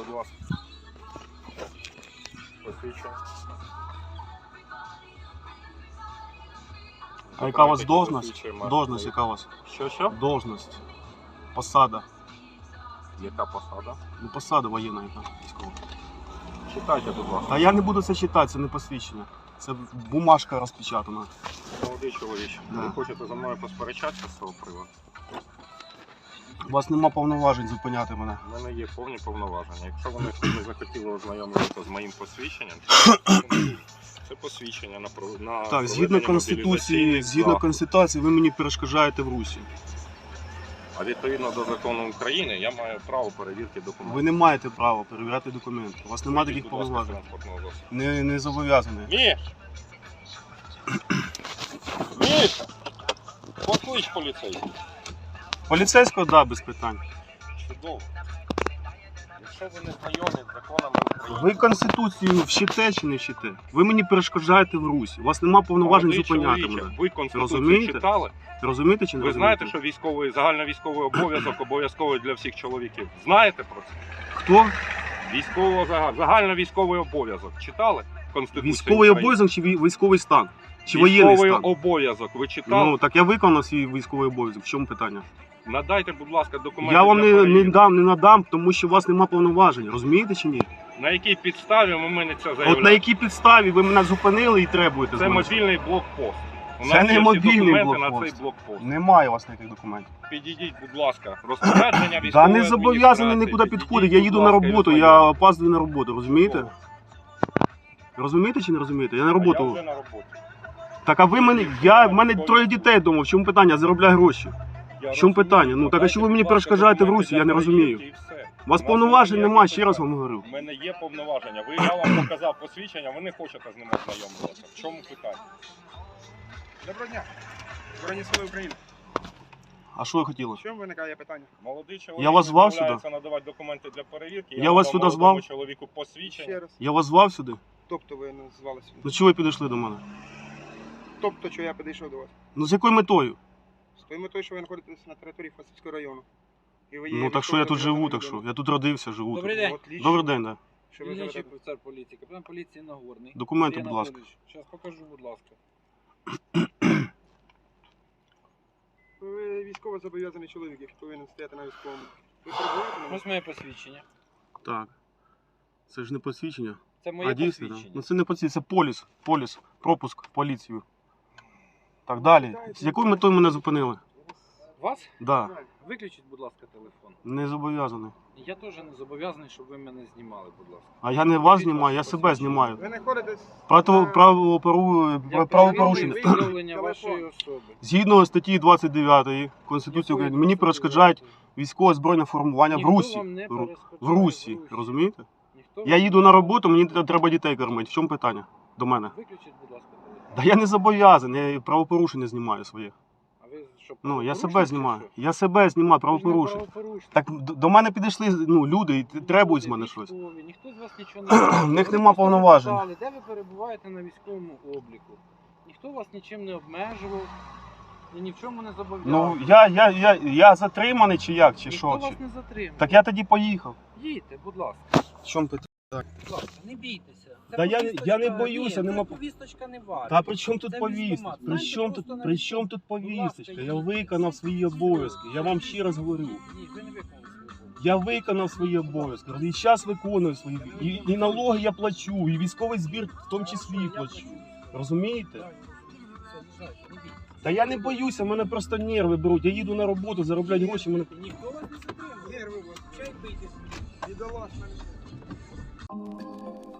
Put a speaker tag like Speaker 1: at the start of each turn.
Speaker 1: будь ласка. Посвідчення.
Speaker 2: А яка у вас
Speaker 1: Документи,
Speaker 2: должность?
Speaker 1: посвідчуємо.
Speaker 2: Должность яка у вас?
Speaker 1: Що?
Speaker 2: Должность. Посада.
Speaker 1: Яка посада?
Speaker 2: Ну, посада воєнна яка військова.
Speaker 1: Читайте, будь ласка.
Speaker 2: Та я не буду це читати, це не посвідчення. Це бумажка розпечатана.
Speaker 1: Молодий чоловіче,
Speaker 2: Да.
Speaker 1: ви хочете за мною посперечатися з цього приводу?
Speaker 2: У вас нема повноважень зупиняти мене.
Speaker 1: У мене є повні повноваження. Якщо вони не захотіли ознайомитися з моїм посвідченням, це посвідчення на
Speaker 2: Так, згідно
Speaker 1: проведення
Speaker 2: Конституції,
Speaker 1: мобілізаційних
Speaker 2: ви мені перешкоджаєте в Русі.
Speaker 1: А відповідно до закону України я маю право перевірки документів.
Speaker 2: Ви не маєте права перевіряти документи. У вас немає таких
Speaker 1: Будь ласка,
Speaker 2: повноважень.
Speaker 1: транспортного засобу.
Speaker 2: Не зобов'язані.
Speaker 1: Міш! Міш! Поклич поліцейський.
Speaker 2: Поліцейського, да, без питань.
Speaker 1: Чудово. Якщо ви не знайомі з законами України...
Speaker 2: Ви Конституцію вчите чи не вчите? Ви мені перешкоджаєте в Русі. У вас нема повноважень
Speaker 1: Молодий
Speaker 2: зупиняти
Speaker 1: чоловіче,
Speaker 2: мене.
Speaker 1: Ви Конституцію
Speaker 2: Розумієте?
Speaker 1: читали?
Speaker 2: Розумієте чи не
Speaker 1: Ви
Speaker 2: розумієте?
Speaker 1: знаєте, що загальновійськовий обов'язок обов'язковий для всіх чоловіків? Знаєте про це?
Speaker 2: Хто?
Speaker 1: Загальновійськовий обов'язок. Читали Конституцію
Speaker 2: Військовий
Speaker 1: України?
Speaker 2: обов'язок чи військовий стан? Чи воєнний
Speaker 1: Військовий
Speaker 2: стан?
Speaker 1: обов'язок. Ви читали?
Speaker 2: Ну, так я виконав свій військовий обов'язок. В чому питання?
Speaker 1: Надайте, будь ласка, документи
Speaker 2: Я вам
Speaker 1: для
Speaker 2: не
Speaker 1: перевірки.
Speaker 2: надам, тому що у вас нема повноважень. Розумієте чи ні?
Speaker 1: На якій підставі ви мене це заявляєте?
Speaker 2: От на якій підставі ви мене зупинили і требуєте з
Speaker 1: Це
Speaker 2: мене?
Speaker 1: мобільний блокпост. У
Speaker 2: Це
Speaker 1: нас
Speaker 2: не
Speaker 1: є всі
Speaker 2: мобільний
Speaker 1: документи на
Speaker 2: блокпост.
Speaker 1: цей блокпост.
Speaker 2: Немає у вас ніяких документів.
Speaker 1: Підійдіть, будь ласка, розпорядження
Speaker 2: Да
Speaker 1: військової
Speaker 2: не зобов'язаний нікуди підходити. Я їду на роботу, я опаздую на роботу, розумієте? Розумієте чи не розумієте? Я на
Speaker 1: Я
Speaker 2: роботу.
Speaker 1: вже на роботі.
Speaker 2: Так а ви мене, в мене троє дітей вдома, в чому питання? Я заробляю гроші. В чому питання? Ну, так а що ви мені перешкоджаєте в Русі? Я не розумію. У вас повноважень немає, ще раз вам говорю.
Speaker 1: У мене є повноваження. Я вам показав посвідчення, ви не хочете з ним ознайомитися. В чому питання?
Speaker 3: Доброго дня. Збройні сили України.
Speaker 2: А що ви хотіли?
Speaker 3: В чому виникає питання?
Speaker 1: Молодий чоловік
Speaker 2: Я вас звав сюди?
Speaker 1: відмовляється надавати документи для перевірки.
Speaker 2: Я вас сюди звав?
Speaker 1: Чоловіку посвідчення.
Speaker 3: Ще раз.
Speaker 2: Я вас звав сюди?
Speaker 3: Тобто ви назвалися.
Speaker 2: Ну чого ви підійшли до мене?
Speaker 3: Тобто, що я підійшов до вас.
Speaker 2: Ну з якою метою?
Speaker 3: З тою метою, що ви знаходитесь на території Фастівського району. І ви є
Speaker 2: Ну так що я тут живу,
Speaker 3: військовим
Speaker 2: так що?
Speaker 3: зобов'язаним
Speaker 2: Я тут родився, живу.
Speaker 4: Добрий
Speaker 2: тут.
Speaker 4: день.
Speaker 3: Отлично.
Speaker 2: Добрий день, да.
Speaker 3: Що ви
Speaker 4: Дільничий
Speaker 3: живете?
Speaker 4: офіцер поліції, капітан поліції Нагорний.
Speaker 2: Документи, будь ласка.
Speaker 4: Зараз покажу, будь ласка.
Speaker 3: Ви військово зобов'язаний чоловік, який повинен стояти на військовому. Ви перебуваєте на
Speaker 4: Ось моє посвідчення.
Speaker 2: Так. Це ж не посвідчення.
Speaker 4: Це моє
Speaker 2: А дійсно, да?
Speaker 4: посвідчення.
Speaker 2: Ну це не посвідчення, це поліс, пропуск в поліцію. Так, далі. З якою метою мене зупинили?
Speaker 4: Вас?
Speaker 2: Да.
Speaker 4: Виключіть, будь ласка, телефон.
Speaker 2: Не зобов'язаний.
Speaker 4: Я теж не зобов'язаний, щоб ви мене знімали, будь ласка.
Speaker 2: А я не вас знімаю, я себе знімаю.
Speaker 3: Ви знаходитесь
Speaker 4: Для
Speaker 2: Правопорушення.
Speaker 4: виявлення вашої особи.
Speaker 2: Згідно статті 29 Конституції України, мені перешкоджають військове збройне формування в
Speaker 4: Ніхто
Speaker 2: Русі.
Speaker 4: вам не
Speaker 2: В
Speaker 4: перешкоджає
Speaker 2: Русі, розумієте?
Speaker 4: Ніхто
Speaker 2: Я
Speaker 4: вам
Speaker 2: їду
Speaker 4: не
Speaker 2: на роботу, мені
Speaker 4: перешкоджає.
Speaker 2: треба дітей кормити. В чому питання до мене?
Speaker 4: Виключіть, будь ласка, телефон.
Speaker 2: Да я не зобов'язаний, я правопорушення знімаю своє.
Speaker 4: А ви що,
Speaker 2: Ну, я
Speaker 4: правопорушник
Speaker 2: себе
Speaker 4: чи
Speaker 2: знімаю.
Speaker 4: що?
Speaker 2: Я себе знімаю,
Speaker 4: Ви ж не
Speaker 2: правопорушення.
Speaker 4: правопорушник.
Speaker 2: Так до мене підійшли люди і требують з мене щось.
Speaker 4: Військові, ніхто з вас нічого не робить.
Speaker 2: В них
Speaker 4: Вони
Speaker 2: нема
Speaker 4: просто
Speaker 2: повноважень.
Speaker 4: запитали, де ви перебуваєте на військовому обліку. Ніхто вас нічим не обмежував і ні в чому не зобов'язав.
Speaker 2: Ну, я затриманий чи як, чи
Speaker 4: Ніхто
Speaker 2: що?
Speaker 4: вас
Speaker 2: Чи...
Speaker 4: не затримав.
Speaker 2: Так я тоді поїхав.
Speaker 4: Їдьте, будь ласка.
Speaker 2: В чому питання?
Speaker 4: Будь ласка, не бійтеся. Це
Speaker 2: Да я
Speaker 4: повісточка-
Speaker 2: не боюся,
Speaker 4: Ні,
Speaker 2: нема-
Speaker 4: це повісточка не варта.
Speaker 2: Та при чому тут
Speaker 4: Це
Speaker 2: повістка?
Speaker 4: військкомат.
Speaker 2: При
Speaker 4: Знаєте,
Speaker 2: чому
Speaker 4: просто на
Speaker 2: при чому тут
Speaker 4: Будь ласка,
Speaker 2: повісточка? Я
Speaker 4: їдьте.
Speaker 2: виконав свої обов'язки. Я вам ще раз говорю.
Speaker 4: Ні, ви не виконали свою роботу.
Speaker 2: Я виконав свої обов'язки. І зараз виконую свої. І налоги я плачу, і військовий збір в тому числі плачу. Розумієте?
Speaker 4: Так, все, їжджайте, не бійтеся.
Speaker 2: Та я не боюся, мене просто нерви беруть. Я їду на роботу, заробляти гроші, мене.
Speaker 4: Ніхто вас не затримує.
Speaker 3: Нерви у вас.
Speaker 4: Чай бийтесь.
Speaker 3: Бідолаш мене.